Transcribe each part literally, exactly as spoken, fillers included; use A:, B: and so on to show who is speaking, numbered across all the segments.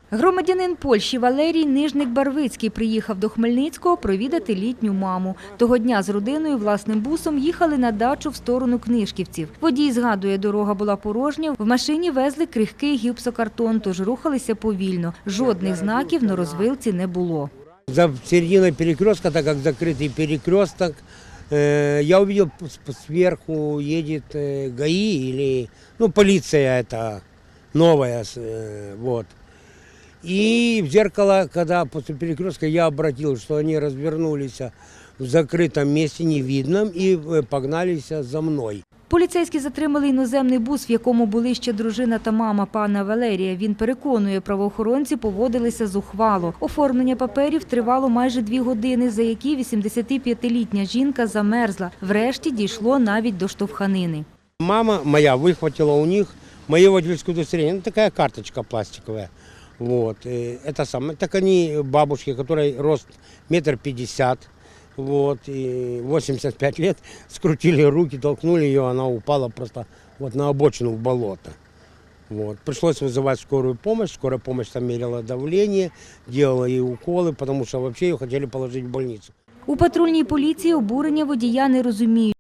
A: Громадянин Польщі Валерій Нижник-Барвицький приїхав до Хмельницького провідати літню маму. Того дня з родиною власним бусом їхали на дачу в сторону Книжківців. Водій згадує, дорога була порожня, в машині везли крихкий гіпсокартон, тож рухалися повільно. Жодних знаків на розвилці не було.
B: За серединой перекрестка, так как закрытый перекресток, я увидел, сверху едет ГАИ или, ну, полиция это новая, вот. И в зеркало, когда после перекрестка я обратил, что они развернулись в закрытом месте, невидном, и погнались за мной.
A: Поліцейські затримали іноземний бус, в якому були ще дружина та мама пана Валерія. Він переконує, правоохоронці поводилися зухвало. Оформлення паперів тривало майже дві години, за які вісімдесятип'ятилітня жінка замерзла. Врешті дійшло навіть до штовханини.
B: Мама моя выхватила у них мое водительское удостоверение. Ну, такая карточка пластиковая. Вот. Это самое. Так они бабушки, которой рост метр пятьдесят. Вот, и восемьдесят пять лет, скрутили руки, толкнули ее, она упала просто вот на обочину в болото. Вот. Пришлось вызывать скорую помощь, скорая помощь там мерила давление, делала ей уколы, потому что вообще ее хотели положить в больницу.
A: У патрульній поліції обурення водія не розуміють.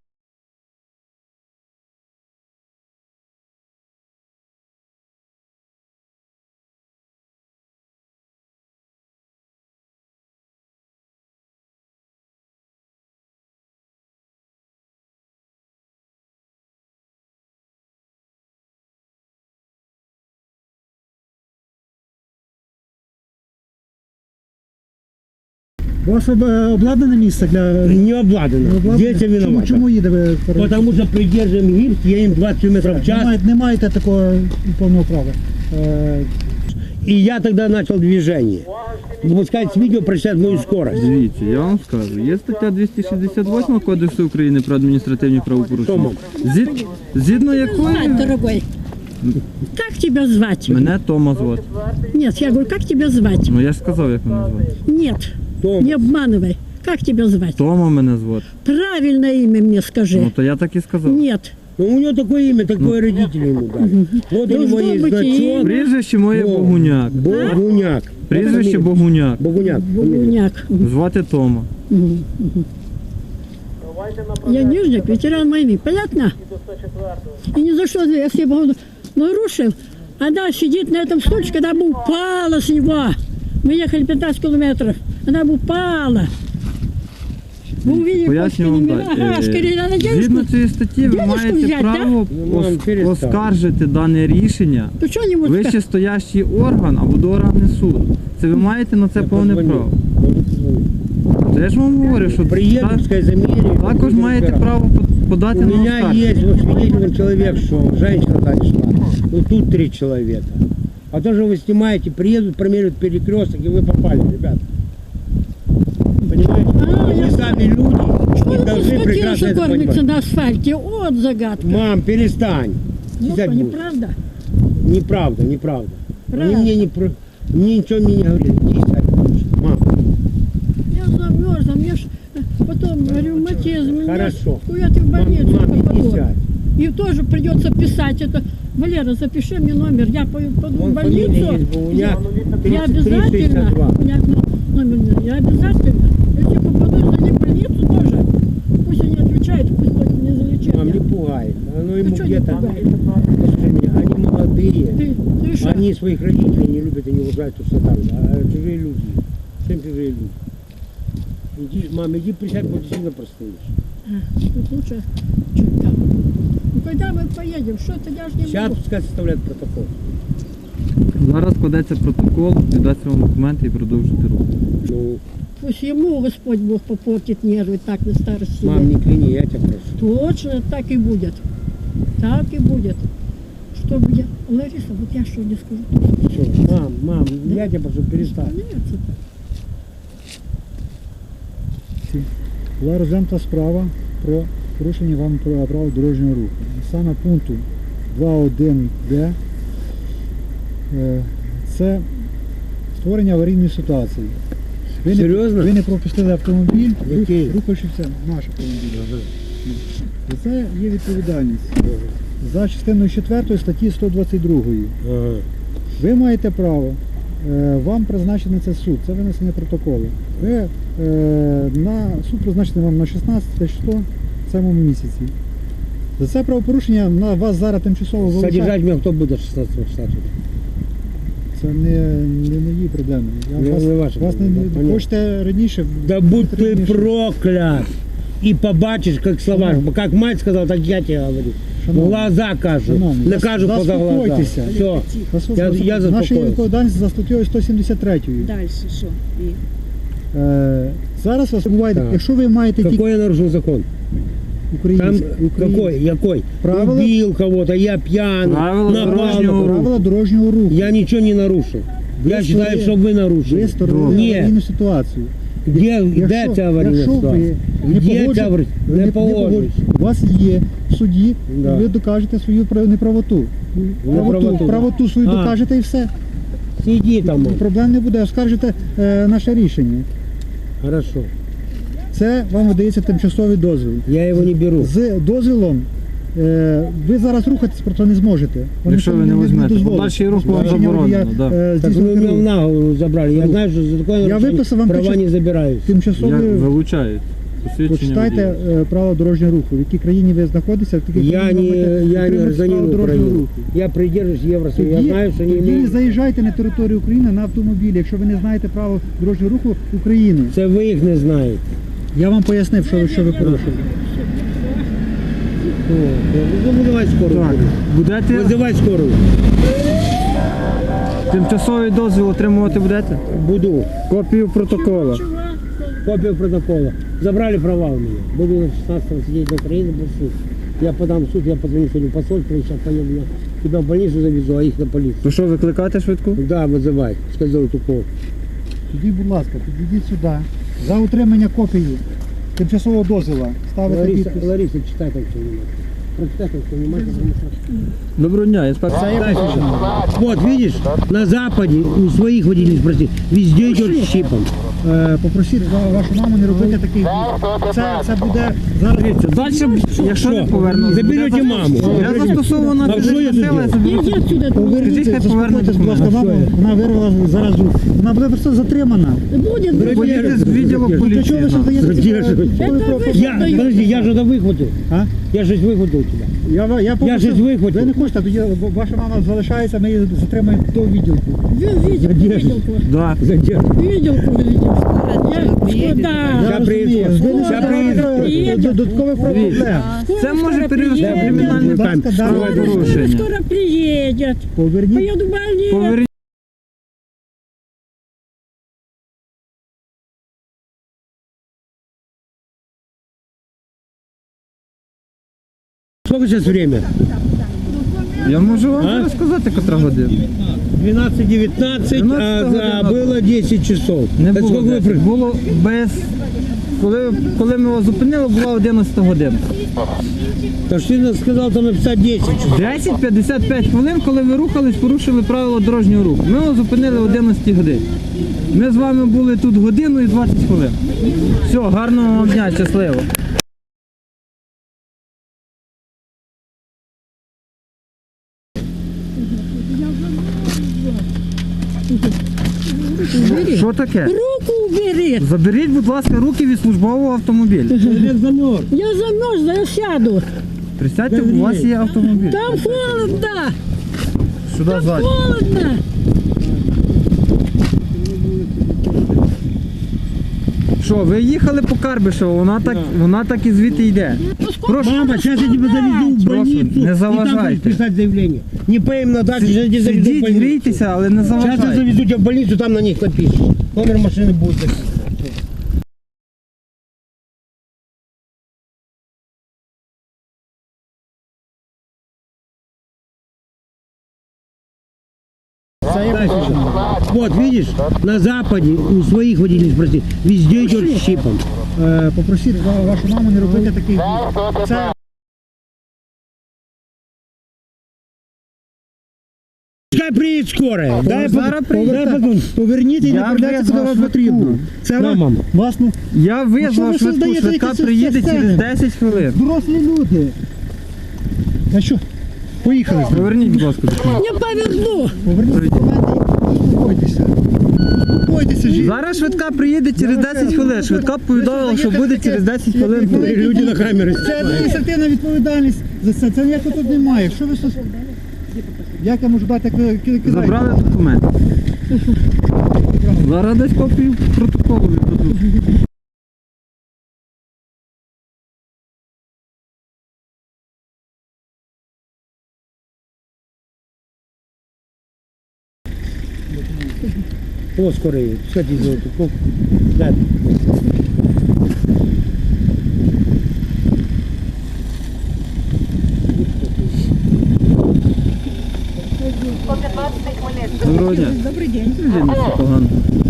C: У вас обладнане місце для...
B: Не обладнано. Дети виноваты.
C: Чому їде ви?
B: Потому что придерживаем гирь, едем двадцать километров в час.
C: Не маєте, не маєте такого повного права.
B: И я тогда начал движение. Выпускать видео, прочитать мою скорость.
D: Дивіться, я вам скажу, є стаття двісті шістдесят восьма Кодексу України про адміністративні правопорушення. Зід, згідно якої...
E: Дорогой, как тебя звать?
D: Мене Тома звати.
E: Нет, я говорю, как тебя звать?
D: Ну я ж сказав, як мене звати.
E: Нет,
B: Тома.
E: не обманывай. Как тебя звать?
D: Тома мене звати.
E: Правильное имя мне скажи.
D: Ну то я так і сказав.
E: Нет.
B: Ну, у него такое имя, такое родители ему дали. Вот у него
E: Должно
B: есть
E: быть
B: значок.
D: Прізвище моє Богуняк.
B: Богуняк.
D: Прізвище Богуняк.
B: Богуняк.
E: Богуняк.
D: Звати Тома.
E: Я Нижник, ветеран войны. Понятно? И ни за что, если бы он нарушил, она сидит на этом стульчике, она бы упала с него. Мы ехали пятнадцать километров, она бы упала. Вы увидели,
D: Поясню вам
E: номера.
D: далі.
E: Ага, скорее, надо девушку.
D: Згідно цієї статті ви
E: Дядюшку
D: маєте
E: взять,
D: право
B: да?
D: ос-
B: Ну, перестань.
D: оскаржити дане рішення
E: Ну что-нибудь скажи.
D: вищестоящий орган або до органи суду. Це ви маєте на це повне право. То я ж вам говорю, що
B: Приеду,
D: та-
B: пускай замеряют.
D: також маєте право по- подати
B: У
D: на
B: меня
D: оскарження.
B: есть вот свидетель человек, что женщина туда шла. Ну тут три человека. А то, что вы снимаете, приедут, промеряют перекресток, и вы попали, ребят. Понимаете?
E: А,
B: Вы
E: я-
B: сами люди
E: Что
B: и
E: вы
B: должны прекрасно
E: скотинушка
B: это
E: кормится
B: понимать.
E: на асфальте? Вот загадка.
B: Мам, перестань.
E: Ну,
B: Сидеть
E: что,
B: будешь.
E: неправда?
B: Неправда, неправда. Они
E: Правда.
B: мне не про... мне ничего мне не говорили. Иди сядь лучше. Мам,
E: Я замерзла, мне ж э, потом ревматизм. мне ж
B: Хорошо.
E: куда ты в
B: мам,
E: больницу
B: мам, иди
E: попаду.
B: сядь.
E: И тоже придется писать это. Валера, запиши мне номер, я пойду в
B: Вон фамилия
E: больницу.
B: есть, Богуняк,
E: Я
B: тридцать три шестьдесят
E: обязательно,
B: два.
E: у меня номер, я обязательно, если попаду за ним в больницу тоже, пусть они отвечают, пусть хоть не залечат.
B: Мам,
E: Я-
B: не пугай. Оно ему
E: что не
B: где-то...
E: пугает?
B: Послушай меня, они молодые.
E: Ты, ты что?
B: Они своих родителей не любят и не уважают, то, что так, а чужие люди. Всем чужие люди. Иди, мам, иди присядь, вот сильно простоишь.
E: Тут лучше чуть там. Ну когда мы поедем, что-то я же не
B: Сейчас
E: могу.
B: пускай составляют протокол.
D: Зараз складеться протокол, віддасться вам документи і продовжити рух.
B: Ну,
E: Пусть ему Господь Бог попортит нервы так на старости.
B: мам,
E: лет.
B: не кляни, я тебя прошу.
E: Точно так и будет. Так и будет. Чтобы я... Лариса, вот я что не скажу.
B: Все, мам, мам, я тебя прошу, перестань.
E: Понятно так.
C: Була розглянута справа про порушення вам правил дорожнього руху. Саме пункту два один Д е, це створення аварійної ситуації. Ви не,
B: Серйозно?
C: ви не пропустили автомобіль,
B: Який?
C: рух- рухаючися наш автомобіль. І це є відповідальність. За частиною четвертої статті сто двадцять два
B: Ага.
C: ви маєте право е, вам призначений це суд, це винесення протоколу. Ви е, на суд призначений вам на шістнадцяте число в цьому місяці. За це правопорушення на вас зараз тимчасово вилучають.
B: Содержать меня кто будет шестнадцатого числа?
C: Це не, не мої проблеми. Я
B: Не-
C: вас,
B: не ваші
C: вас не,
B: проблеми,
C: не
B: понятно.
C: хочете раніше.
B: Да будь ты
C: раніше.
B: проклят! И побачишь, как слова, как мать сказала, так я тебе говорю. В
C: Шановний,
B: глаза кажу,
C: шановний,
B: накажу
C: зас-
B: поза глаза.
C: заспокойтеся.
B: Все.
C: Вас-
B: Я-
C: вас-
B: я
C: Наша
B: заспокоївся.
C: відповідальність за статтею сто сімдесят три.
F: Далі що? І...
C: Е, зараз вас буваєте,
B: Так.
C: якщо ви маєте тільки
B: Какой я нарушил закон? Там
C: українську,
B: какой? Какой?
C: Правила-
B: Убил кого-то, я пьяный,
D: Правила
B: напал.
D: дорожнього руху.
C: правила дорожнього руху.
B: Я ничего не нарушил.
C: Ви
B: Я считаю,
C: створили-
B: что вы нарушили.
C: Ви створили
B: Нет.
C: аварійну ситуацію.
B: Где, где ця аварийная
C: якщо ви
B: ситуация?
C: не
B: Где
C: погоджу-
B: ця аварийная?
C: ви
B: Не
C: не
B: погоджуюсь.
C: погоджуєтесь, у вас є в суді,
B: Да.
C: ви докажете свою прав- неправоту. Правоту,
B: Неправоту.
C: правоту свою
B: А.
C: докажете і все.
B: Сиди там. он.
C: Проблем не буде, оскаржите е, наше рішення.
B: Хорошо.
C: Це вам видається тимчасовий дозвіл.
B: Я его не беру.
C: З дозвілом е, ви зараз рухатись просто не зможете. Вони
D: Якщо
C: це
D: ви не візьмете.
C: дозволять.
D: Подальший рух вам
C: Рішення
D: заборонено,
C: водія,
D: да.
C: е,
B: Так вы
C: здійснювати
B: у меня
C: рух.
B: в наголову забрали. Я
C: Ну,
B: знаю, что за такое
C: я
B: нарушение
C: виписав вам
B: права
C: тимчас-
B: не забираюсь.
C: Тимчасовий
D: Я вилучаю. Посвідчення
C: почитайте
D: водія.
C: е, правила дорожнього руху, в якій країні ви знаходитеся, в якій
B: Я
C: країні
B: не,
C: ви маєте
B: я не
C: дотримуватися
B: гражданин
C: правил дорожнього
B: Украины.
C: руху.
B: Я придерживаюсь Евросоюза. Я
C: Тоді,
B: знаю, что не
C: тоді не
B: имею.
C: заїжджайте на територію України на автомобілі, якщо ви не знаєте правил дорожнього руху України.
B: Це ви їх не знаєте.
C: Я вам пояснив, що ви, що ви порушили.
B: Ну, вызывай скорую.
D: Так, будете
B: Вызывай скорую.
D: тимчасовий дозвіл отримувати будете?
B: Буду.
D: Копію протокола.
B: Копию протокола. Забрали права у меня. Буду на шестнадцатого сидеть на Украине, был суд. Я подам в суд, я позвоню сегодня в посольство, и сейчас поеду. Я тебя в больницу завезу, а их на полицию.
D: Ви що, викликати швидку?
B: Да, вызывай. Сказал укол.
C: Тоді, будь ласка, підійдіть сюди. За отримання копії тимчасового дозвіла ставите
B: Лариса,
C: підпис.
B: Лариса, читай там все внимательно. Прочитай там все внимательно, потому что...
D: Доброго дня, інспектор.
B: Вот, видишь, на Западе, у своих водителей спроси, везде идет с чипом.
C: Е, Попросіть ва- вашу маму не робити таких дій. Це, це буде зараз.
D: Далі, якщо не повернути,
B: Заберете маму.
D: Я застосована
B: А що я
D: фізична сила, я
B: тут
D: заберу.
E: Ідіть сюди.
D: Скажіть,
C: Поверніться,
D: хай поверне
C: заспокойтесь, будь ласка,
D: документи.
C: маму. Вона вирвала зараз руку. Вона буде просто затримана.
E: Буде.
D: Поїдете з відділу
C: Для чого
D: поліції.
C: ви создаєте
B: Задерживайте.
C: такі-
E: Это
B: Я, подожди, я же это выхватил.
C: А?
B: Я же выхватил тебя.
C: Я, ва- я,
B: Я
C: попросив-
B: ж вихватив.
C: Ви не хочете, тоді ваша мама залишається, ми її затримаємо до відділку.
E: Видел, виделку.
D: Да.
B: Задерживай.
E: Виделку видел. Я, да.
B: Ща приїду. Ща приїду.
C: Додаткових проблем.
D: Це може перерости в кримінальне
C: Будь ласка, да.
D: правопорушення.
E: Скоро приедет.
C: Поверніть.
E: Поеду в больницу.
D: Поверніть.
B: Сколько сейчас время?
D: Я можу вам
B: А?
D: розказати, котра година.
B: двенадцать девятнадцать, а,
D: година.
B: а было десять часов.
D: Не
B: Так
D: було,
B: сколько вы
D: десять.
B: при-
D: було без... Коли, коли ми вас зупинили, була одинадцята година.
B: Так что ты сказал там написать десять часов.
D: десять п'ятдесят п'ять хвилин, коли ви рухались, порушили правила дорожнього руху. Ми вас зупинили о одинадцятій годині. Ми з вами були тут годину і двадцять хвилин. Все, гарного вам дня, щасливо. Що таке?
E: Руку убери.
D: Заберіть, будь ласка, руки від службового автомобіля.
E: Я замерз, я сяду.
D: Присядьте, у вас є автомобіль.
E: Там холодно.
D: Сюди ззаді.
E: Холодно.
D: Що, ви їхали по Карбишеву, вона так, вона так і звідти йде. Прошу,
B: Мама, сейчас я тебя заведу в
D: Прошу,
B: больницу.
D: не
B: И там
D: заважайте.
B: будешь писать заявление. Не поим на даче, сейчас я тебя заведу в
D: сидіть,
B: больницу.
D: грійтеся, але не
B: Сейчас я
D: заважайте.
B: завезу тебя в больницу, там на них напишешь. Номер машины будет записан. Дальше. Вот, видишь, на Западе, у своих водителей спроси, везде идет с чипом.
C: Е, Попросіть ва- вашу маму не робити таких дій. Це
B: Пускай приедет скорая. Дай
D: зараз
B: пот-
D: приїде.
B: дай потом.
C: поверніть і
D: Я
C: направляйте, куди
D: визвав
C: вам
D: швидку.
C: потрібно. Це
B: На,
C: вам-
B: мама.
C: вас не
D: Я
C: Ну, що
D: визвав
C: ви
D: швидку,
C: создаєте
D: швидка
C: якісь
D: приїде
C: сцени?
D: через десять хвилин.
C: дорослі люди. Та що? Поїхали.
D: Поверніть, будь ласка, документи.
E: Не поверну.
C: Поверніть документи і заспокойтеся.
D: Зараз швидка приїде через десять хвилин. Швидка повідомила, що буде через десять хвилин.
B: Люди на камеру
C: Це адміністративна відповідальність за це. Це ніякого тут немає. Якщо ви щось... Як я можу дати кидати?
D: Забрали документи. Зараз десь копію протоколу віддадуть.
B: О, скорее, кстати, золото. Да.
D: Доброго дня. Добрий день. Не все погано.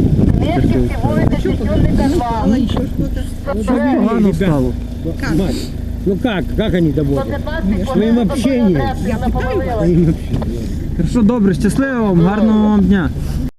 D: Погано стало.
B: Мать, ну как, как они доводят? Своим общением. Своим общением.
D: Хорошо, добре, щасливо вам, гарного вам дня.